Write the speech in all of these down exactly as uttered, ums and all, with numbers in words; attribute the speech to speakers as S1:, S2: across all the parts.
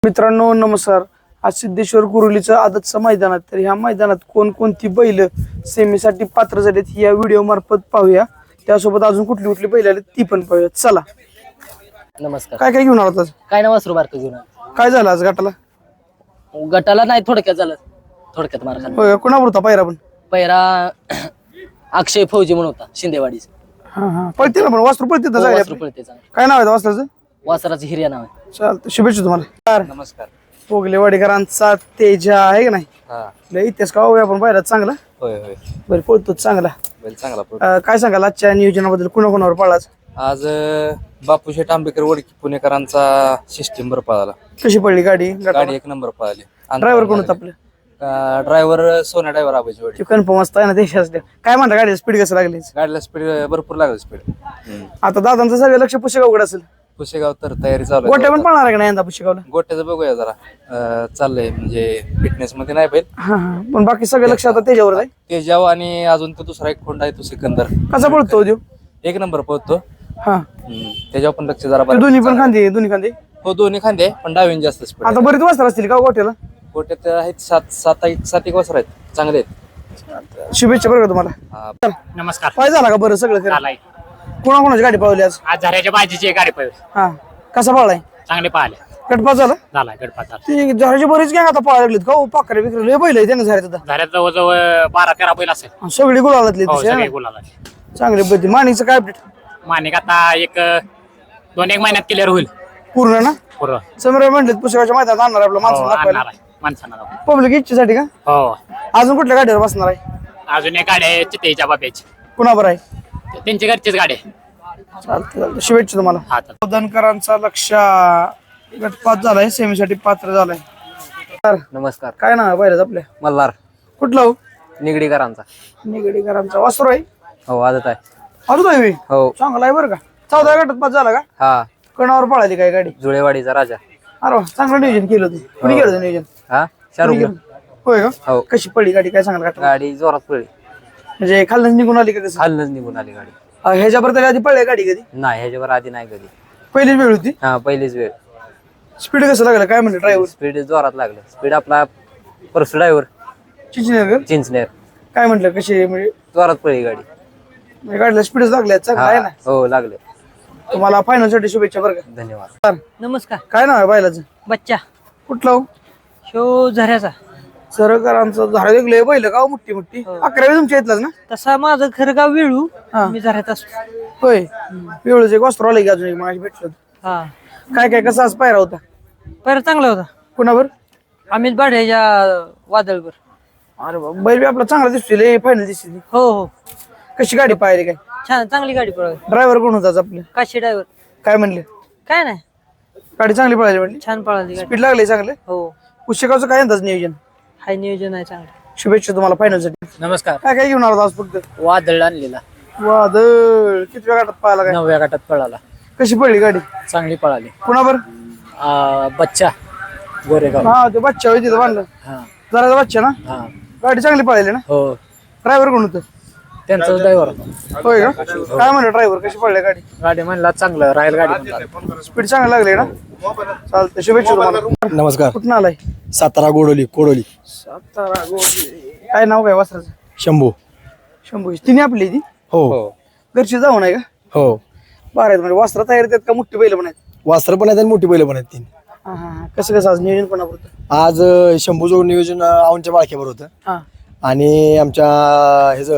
S1: मित्रांनो नमस्कार. आज सिद्धेश्वर कुरुलीचं आदतचं मैदानात तर ह्या मैदानात कोणकोणती बैल सेमीसाठी पात्र झालीत या व्हिडिओ मार्फत पाहूया. त्यासोबत अजून कुठली कुठली बैल आली ती पण पाहूया. चला.
S2: नमस्कार.
S1: काय काय घेऊन आलात आज?
S2: काय ना वासरू बारक घेऊन आलो.
S1: काय झालं आज गटाला?
S2: गटाला नाही थोडक्यात झालं, थोडक्यात मार खाल्ला.
S1: होय, कोणावर होता पायरा पण?
S2: पहिला अक्षय फौजी म्हणून होता शिंदेवाडीचा.
S1: हा हा पळते ना पण वासरू पळते ना
S2: हो,
S1: जायला.
S2: वासरू पळते चांगलं.
S1: काय नाव आहे वासराचं?
S2: वासराचं हिर्या नाव आहे.
S1: चालतं, शुभेच्छा तुम्हाला.
S3: नमस्कार.
S1: पोगलेवाडीकरांचा तेजा आहे की नाही?
S3: हा
S1: लय इतिहास का होऊया आपण पाहिला चांगला.
S3: होय होय
S1: बरं पळतो चांगला.
S3: बैल चांगला पळतो.
S1: अं, काय सांगाल आजच्या नियोजनाबद्दल? कुणा कोणावर पळाच?
S3: आज अं, बापूशेठ आंबेकर वडकी पुणेकरांचा सिस्टीम बर पळाला.
S1: कशी पडली गाडी?
S3: गाडी एक नंबर पळाली.
S1: ड्रायव्हर कोण होता आपलं?
S3: ड्रायव्हर सोन्या ड्रायव्हर आबाजी वडी.
S1: कन्फर्म असतं ना देशात. काय म्हणता गाडीची स्पीड कसं लागली?
S3: गाडीला स्पीड भरपूर लागली स्पीड.
S1: आता दादांचं सगळं लक्ष पुशेगावकडे असेल.
S3: पुशेगाव तर तयारी चालू
S1: गोट्या पण
S3: आहे.
S1: पळणार आहे का नाही यंदा पुशेगावला?
S3: गोट्याचं बघूया जरा अं, चाललंय म्हणजे फिटनेस मध्ये नाही बैल.
S1: हा हा पण बाकी सगळं लक्ष आता त्याच्यावर आहे.
S3: तेजाव आणि अजून तो दुसरा एक खोंड आहे तो सिकंदर.
S1: कसा पळतो देव?
S3: एक नंबर पळतो.
S1: हा
S3: हम्म, त्याच्यावर पण लक्ष जरा
S1: ते
S3: बरं.
S1: दोन्ही पण खांदे दोन्ही खांदे.
S3: हो दोन्ही खांदे पण डावीन जास्त स्पीड.
S1: आता बरेच वाजता असतील का गोट्याला?
S3: गोट्यात आहेत सात सात एक सात एक वासर आहेत चांगले आहेत.
S1: शुभेच्छा बरं का तुम्हाला.
S3: हा.
S4: नमस्कार.
S1: काय झाला का बरं सगळं खरं?
S4: आलाय
S1: कोणा कोणाची गाडी पावली आज?
S4: आज झऱ्याच्या भाजीची गाडी पळली,
S1: हा कसा पळलाय?
S4: चांगले पाहिले.
S1: गटपास झाला?
S4: झाला गडपात झाला.
S1: ती झाडाची बरीच गॅंग आता पळायला लागलीत का? हो पाखरे बिकरे लय बैल आहे त्यानं झाल्यात आता.
S4: झऱ्यात जवळजवळ बारा तेरा बैल असेल.
S1: आणि सगळी गुलालातली
S4: हो,
S1: तशी
S4: सगळे
S1: आहे ना?
S4: गुलाला.
S1: चांगली पद्धती. माणिकचं काय अपडेट?
S4: मानिक आता एक दोन एक महिन्यात क्लिअर होईल
S1: पूर्ण ना?
S4: पूर्ण.
S1: समोर म्हणले पुस्तकाच्या मैदानात आणणार आपलं
S4: हो,
S1: माणसं
S4: आणणार
S1: दाखवायला.
S4: आहे माणसांना दाखवून.
S1: पब्लिक इच्छेसाठी का?
S4: हो.
S1: अजून कुठल्या गाडीवर बसणार आहे?
S4: अजून एक गाडी आहे चितेच्या बाब्याची,
S1: कुणावर आहे?
S4: त्यांची घरचीच गाडी आहे.
S1: चालतं चालतं. शुभेच्छा तुम्हाला.
S4: हा तर
S1: धनकरांचा लक्ष गटपात झालाय, सेमीसाठी पात्र झालाय. तर
S3: नमस्कार.
S1: काय नाव आहे पहिल्याच आपल्या?
S3: मल्हार
S1: कुठला हो?
S3: निगडीकरांचा.
S1: निगडीकरांचा वासरू आहे.
S3: हो आदत आहे.
S1: अजून आहे.
S3: हो.
S1: चांगला आहे बरं का. चौदा गटात पास झाला का?
S3: हा
S1: कणावर पळाली काय गाडी?
S3: जुळेवाडीचा राजा.
S1: अरे वा, चांगलं नियोजन केलं होतं. कुणी केलं होतं नियोजन?
S3: हा
S1: कुणी
S3: शाहरुख.
S1: केलं? होय का?
S3: हो.
S1: कशी पडली गाडी काय सांगाल का?
S3: गाडी जोरात पडली.
S1: म्हणजे खाल्लंच निघून आली का कसं?
S3: खालनच निघून आली गाडी.
S1: अं, ह्याच्यापर्यंत आधी पडली गाडी कधी?
S3: नाही ह्याच्यावर आधी नाही कधी.
S1: पहिलीच वेळ होती.
S3: हा पहिलीच वेळ.
S1: स्पीड कसं लागलं काय म्हणलं ड्रायव्हर?
S3: स्पीड जोरात लागलं. स्पीड आपला परस ड्रायव्हर
S1: चिंचनेर
S3: चिंचनेर
S1: काय म्हटलं कशी म्हणजे
S3: जोरात पडली गाडी.
S1: म्हणजे गाडीला स्पीडच लागल्या चांगला आहे ना?
S3: हो लागले.
S1: तुम्हाला फायनल साठी शुभेच्छा बरं का.
S3: धन्यवाद.
S2: नमस्कार.
S1: काय नाव आहे बैलाचं?
S2: बच्चा
S1: कुठलं हो?
S2: शो झऱ्याचा.
S1: सरकारांचं झाड वेगळे बैल का हो? मोठी मोठी अकरावी तुमच्या इथलाच ना?
S2: तसा माझं खरं गाव वेळू,
S1: हा.
S2: मी झऱ्यात असतो.
S1: होय. वेळच एक वस्त्र आलं की अजून एक माझी भेटलं.
S2: हा
S1: काय काय कसा आज पायरा होता?
S2: पहिला चांगला होता.
S1: कुणावर?
S2: अमित बाढ्याच्या वादळवर.
S1: अरे बाबा, बैल बी आपला चांगला दिसतोय, फायनल दिसते.
S2: हो हो
S1: कशी गाडी पाहिली काय?
S2: छान चांगली गाडी पळवली.
S1: ड्रायव्हर कोण होता आज आपलं?
S2: काशी ड्रायव्हर.
S1: काय म्हणले?
S2: काय नाही,
S1: गाडी चांगली पळाली म्हणली.
S2: छान पळाली गाडी.
S1: स्पीड लागले चांगले.
S2: हो
S1: पुस्तकाचं काय अंदाज नियोजन?
S2: हाय नियोजन आहे चांगलं.
S1: शुभेच्छा तुम्हाला फायनल साठी.
S2: नमस्कार.
S1: काय काय घेऊन आला आज फक्त?
S2: वादळ आणलेला,
S1: वादळ किती वेळा गटात पाहिला काय?
S2: नवव्या गटात पळाला.
S1: कशी पडली गाडी?
S2: चांगली पळाली.
S1: कुणावर?
S2: बच्चा गोरेगाव.
S1: हा ते बच्चा होती तिथं बांधलं.
S2: हा
S1: जरा बच्चा ना?
S2: हा
S1: गाडी चांगली पळाली ना?
S2: हो
S1: ड्रायव्हर कोण होतं?
S2: त्यांचा ड्रायव्हर.
S1: होय का? काय म्हणलं ड्रायव्हर कशी पडली गाडी?
S2: गाडी म्हणला चांगलं राहील गाडी.
S1: स्पीड चांगली लागली ना? चालतं, शुभेच्छा तुम्हाला.
S5: नमस्कार.
S1: कुठून आलाय?
S5: सातारा गोडोली कोडोली.
S1: सातारा गोडी. काय नाव काय वासराचं?
S5: शंभू.
S1: शंभू. तिने आपली ती
S5: हो
S1: घरची जाऊन आहे का?
S5: हो.
S1: बरं आहेत म्हणजे वस्त्र तयार आहेत का मोठी बैल पण आहेत?
S5: वास्त्र पण आहेत आणि मोठी बैल पण आहेत तीन.
S1: हा हा हा. कसं कसं आज नियोजन कोणापुरतं?
S5: आज अं, शंभूचं नियोजन अं, औंधच्या बाळक्यावर होतं
S1: हा
S5: आणि आमच्या ह्याच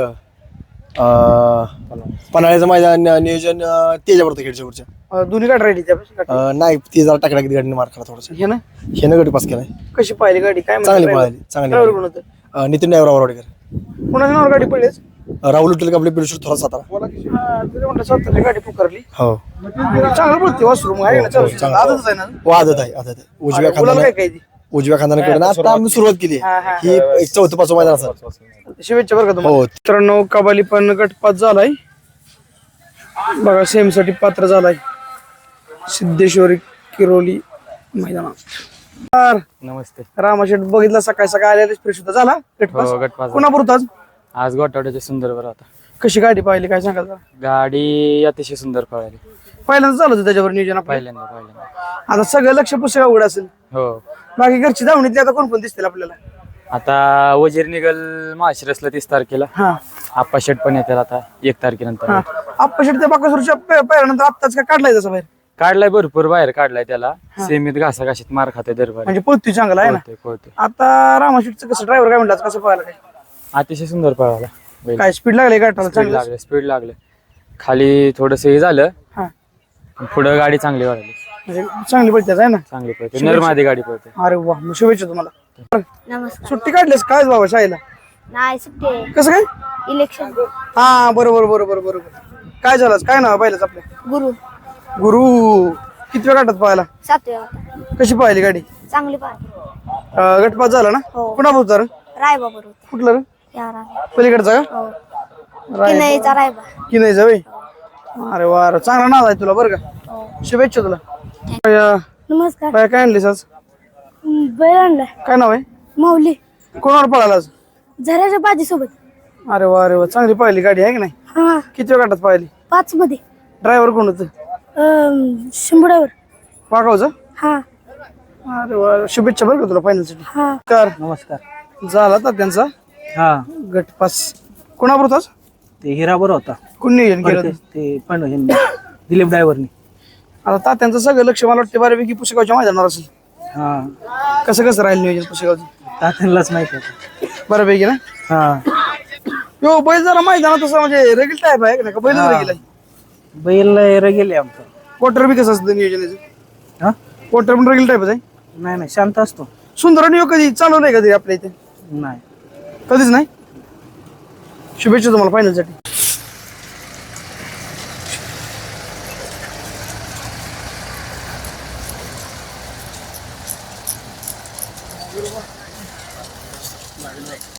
S5: पन्हाळ्याचं मैदान नियोजन अं, त्याच्यावर होतं खेडच्यावरच्या.
S1: अं, दोन्ही गाडी राहिली त्यापेक्षा
S5: अं, नाही ती जरा टाकड्या गाडीने मार खाला थोडस.
S1: हे ना?
S5: हे न गटी पास केलाय.
S1: कशी पाहिली गाडी? काय
S5: चांगली पळाली चांगली
S1: ड्रायव्हर कोण होतं?
S5: अं, नितीन ड्रायव्हर आवडकर.
S1: कोणाच्या नावावर गाडी पडलीच?
S5: राहुल उठल आपले पिरुश्वर थोडा सातारा.
S1: म्हटलं स्वतःची गाडी पुकारली.
S5: हो
S1: चांगलं पडते वासरूम आहे ना? चालू
S5: चांगलं.
S1: आदतच आहे ना?
S5: व आदत आहे आदत आहे. उजव्या
S1: गुलाल
S5: खांदाने
S1: काय काय ती?
S5: उजव्या खांदाने कडे आता आम्ही सुरुवात केली
S1: हा, हा,
S5: ही एक चौथं पाचवं मैदान असं.
S1: शुभेच्छा बरं का तुम्हाला.
S5: हो.
S1: मित्रांनो कबाली पण गटपात झालाय बघा, सेम साठी पात्र झालाय सिद्धेश्वरी किरोली मैदानात.
S3: नमस्ते.
S1: रामाशेठ बघितला सकाळी सकाळी आलेला फ्रेश होता. झाला गटपास?
S3: हो, गटपास.
S1: कोणाबरोबर आज?
S3: आज गोटावड्याच्या सुंदर बरं होता.
S1: कशी गाडी पाहिली काय सांगाल जरा?
S3: गाडी अतिशय सुंदर पळाली.
S1: पहिल्यांदा चालू होतं त्याच्यावर नियोजन आपलं.
S3: पहिल्यांदा पहिल्यांदा
S1: आता सगळं लक्ष पुस्तक अवघड असेल.
S3: हो.
S1: बाकी घरची धावणीतली आता कोण कोण दिसतील आपल्याला?
S3: आता वजीर निघल माशिरसला तीस तारखेला.
S1: हा
S3: आप्पा शेट पण येतील आता एक तारखेनंतर.
S1: हा आप्पा शेट त्या बाकासुरच्या पहिल्यानंतर आत्ताच काय काढलाय तसं बाहेर?
S3: काढलाय भरपूर बाहेर काढलाय त्याला. सेमीत घासा घाशीत मार खाते दरबार.
S1: म्हणजे पोहतोय चांगला आहे ना.
S3: पळतोय पळतोय.
S1: आता रामाशेटचं कसं ड्रायव्हर काय म्हणतात कसं पळायला काय?
S3: अतिशय सुंदर पळाला बैल.
S1: काय स्पीड लागली गाठाला
S3: स्पीड
S1: चांगलं?
S3: लागले स्पीड लागले. खाली थोडस हे झालं.
S1: हा
S3: पुढं गाडी चांगली वाढली.
S1: म्हणजे चांगली पळते आहे ना.
S3: चांगली पळते नरमादी गाडी पळते.
S1: अरे वा मग शुभेच्छा तुम्हाला.
S6: नमस्कार.
S1: सुट्टी काढलीस काय बाबा शाळेला?
S6: नाही सुट्टी आहे.
S1: कसं काय?
S6: इलेक्शन
S1: हा बरोबर बरोबर बरोबर. काय झालं काय नाव पाहिलंच आपल्या?
S6: गुरु
S1: गुरु किती वेळ गाठात पाहायला?
S6: सातवे होता.
S1: कशी पाहिली गाडी?
S6: चांगली पाहिजे.
S1: अं, गटपास झाला ना?
S6: हो.
S1: कुणा होता रे?
S6: रायबा बरोबर
S1: कुठलं रे?
S6: या रायबा.
S1: पलीकडचा का?
S6: हो. किनईचा रायबा.
S1: की नाही जावे? अरे वा अरे, चांगला नाव आहे तुला बरं का.
S6: हो.
S1: शुभेच्छा तुला. बाया,
S6: नमस्कार.
S1: बाया, काय आणलीस आज?
S6: बैल आणलाय
S1: काय नाव आहे?
S6: माऊली.
S1: कोणावर पळाला आज?
S6: झऱ्याच्या बाजी सोबत.
S1: अरे वा अरे वा चांगली पाहिली गाडी आहे की नाही?
S6: हा
S1: किती वेळ गाठात पाहिली?
S6: पाच मध्ये.
S1: ड्रायव्हर कोण होतं?
S6: शंभरावर.
S1: वागावचं?
S6: हा
S1: अरे वा शुभेच्छा बरं का तुला फायनलसाठी.
S6: हा
S1: कर
S7: नमस्कार.
S1: झाला तर त्यांचा
S7: हा
S1: गटपास. कोणाबरोबर होतास?
S7: ते हिराबर होता.
S1: कोण नियोजन केलं
S7: ते
S1: होतं?
S7: ते पण ह्यांनी, दिलीप ड्रायव्हरनी.
S1: आता तात्यांचं सगळं लक्ष मला वाटतं बऱ्यापैकी पुस्तकाच्या मैदानावर असेल.
S7: हा
S1: कसं कसं राहील नियोजन पुस्तकाचं?
S7: तात्यांनाच माहिती होतं.
S1: बऱ्यापैकी ना.
S7: हा
S1: यो बैल जरा मैदानात तसं म्हणजे रेगल टाईप आहे का बैल रेगल आहे?
S7: बैल गेले आमचं.
S1: क्वार्टर बी कसं असतं नियोजनाचं?
S7: हा
S1: क्वार्टर पण रेगल टाईपच आहे.
S7: नाही नाही शांत असतो.
S1: सुंदर नियो कधी चालवलंय कधी आपल्या इथे?
S7: नाही.
S1: कधीच नाही. शुभेच्छा तुम्हाला फायनलसाठी.